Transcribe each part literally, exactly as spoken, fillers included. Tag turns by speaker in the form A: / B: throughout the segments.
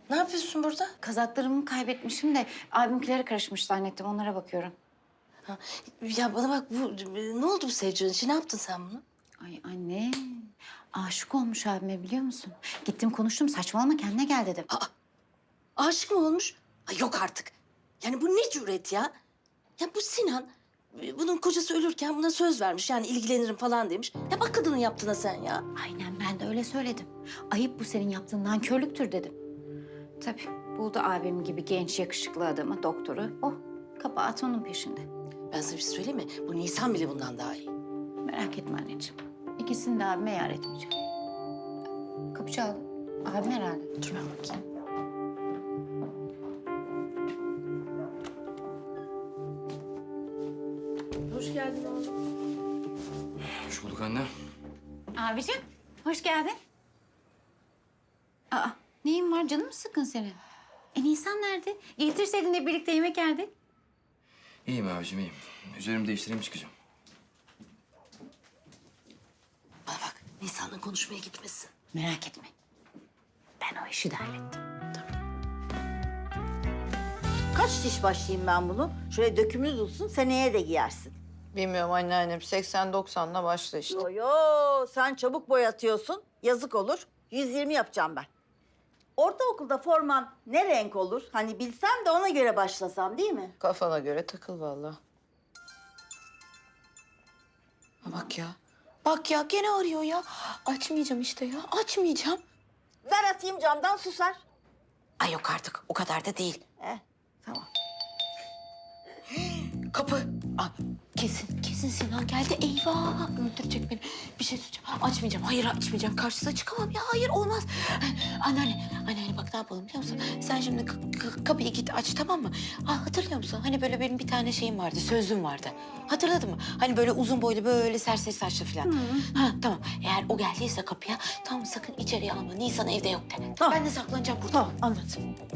A: Ne yapıyorsun burada?
B: Kazaklarımı kaybetmişim de abimkilere karışmış zannettim. Onlara bakıyorum.
A: Ha, ya bana bak bu ne oldu bu Sevcan'ın için? Ne yaptın sen bunu?
B: Ay anne. Aşık olmuş abime biliyor musun? Gittim konuştum. Saçmalama kendine gel dedim.
A: Aa, aşık mı olmuş? Ay yok artık. Yani bu ne cüret ya? Ya bu Sinan, bunun kocası ölürken buna söz vermiş. Yani ilgilenirim falan demiş. Ya bak kadının yaptığına sen ya.
B: Aynen ben de öyle söyledim. Ayıp bu senin yaptığın nankörlüktür dedim. Tabii buldu abim gibi genç yakışıklı adamı, doktoru. Oh kabahat onun peşinde.
A: Ben sana bir şey söyleyeyim mi? Bu Nisan bile bundan daha iyi.
B: Merak etme anneciğim. İkisini de abime yar etmeyeceğim. Kapı çaldı. Abim herhalde.
A: Dur ben bakayım. Hoş geldin oğlum.
C: Hoş bulduk anne.
B: Abicim hoş geldin. Aa neyin var canım mı sıkın senin? E Nisan nerede? Getirseydin de birlikte yemek yerdik.
C: İyiyim abicim iyiyim. Üzerimi değiştireyim çıkacağım.
A: Bana bak, Nisan'la konuşmaya gitmesin.
B: Merak etme. Ben o işi de hallettim.
D: Kaç diş başlayayım ben bunu? Şöyle dökümlü dursun, seneye de giyersin.
E: Bilmiyorum anneannem. seksen doksanla başla işte.
D: Yo yo, sen çabuk boyatıyorsun. Yazık olur. yüz yirmi yapacağım ben. Ortaokulda forman ne renk olur? Hani bilsem de ona göre başlasam değil mi?
E: Kafana göre takıl vallahi. Ha bak ya. Bak ya gene arıyor ya. Açmayacağım işte ya. Açmayacağım.
D: Ver atayım camdan susar.
E: Ay yok artık. O kadar da değil.
D: Eh, tamam.
E: Kapı. Aa, kesin, kesin Sinan geldi. Eyvah, öldürecek beni. Bir şey söyleyeceğim. Açmayacağım. Hayır açmayacağım. Karşısına çıkamam ya. Hayır olmaz. Anneanne, anneanne bak ne yapalım biliyor musun? Sen şimdi k- k- kapıyı git aç tamam mı? Ha, hatırlıyor musun? Hani böyle benim bir tane şeyim vardı, sözlüğüm vardı. Hatırladın mı? Hani böyle uzun boylu, böyle serseri saçlı falan. Ha tamam. Eğer o geldiyse kapıya, tamam sakın içeriye alma. Nisan evde yok de.
D: Tamam.
E: Ben de saklanacağım burada.
D: Tamam, anlat.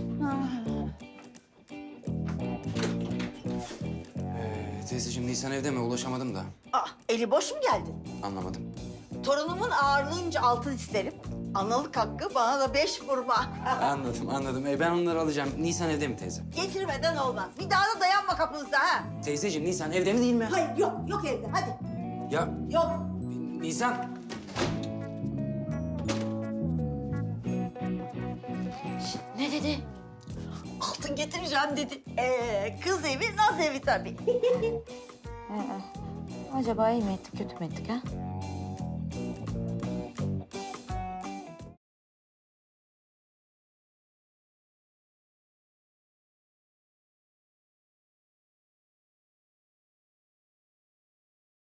C: Ee, teyzeciğim Nisan evde mi? Ulaşamadım da.
D: Ah, eli boş mu geldin?
C: Anlamadım.
D: Torunumun ağırlığınca altın isterim. Analık hakkı bana da beş vurma.
C: Anladım anladım. Ee, ben onları alacağım. Nisan evde mi teyze?
D: Getirmeden olmaz. Bir daha da dayanma kapınızda ha.
C: Teyzeciğim Nisan evde mi değil mi?
D: Hayır, yok, yok evde. Hadi.
C: Ya
D: Yok.
C: Nisan.
E: Ne dedi?
D: Altın getireceğim dedi. Ee, kız evi, naz evi tabii.
E: Acaba iyi mi ettik, kötü mü ettik ha?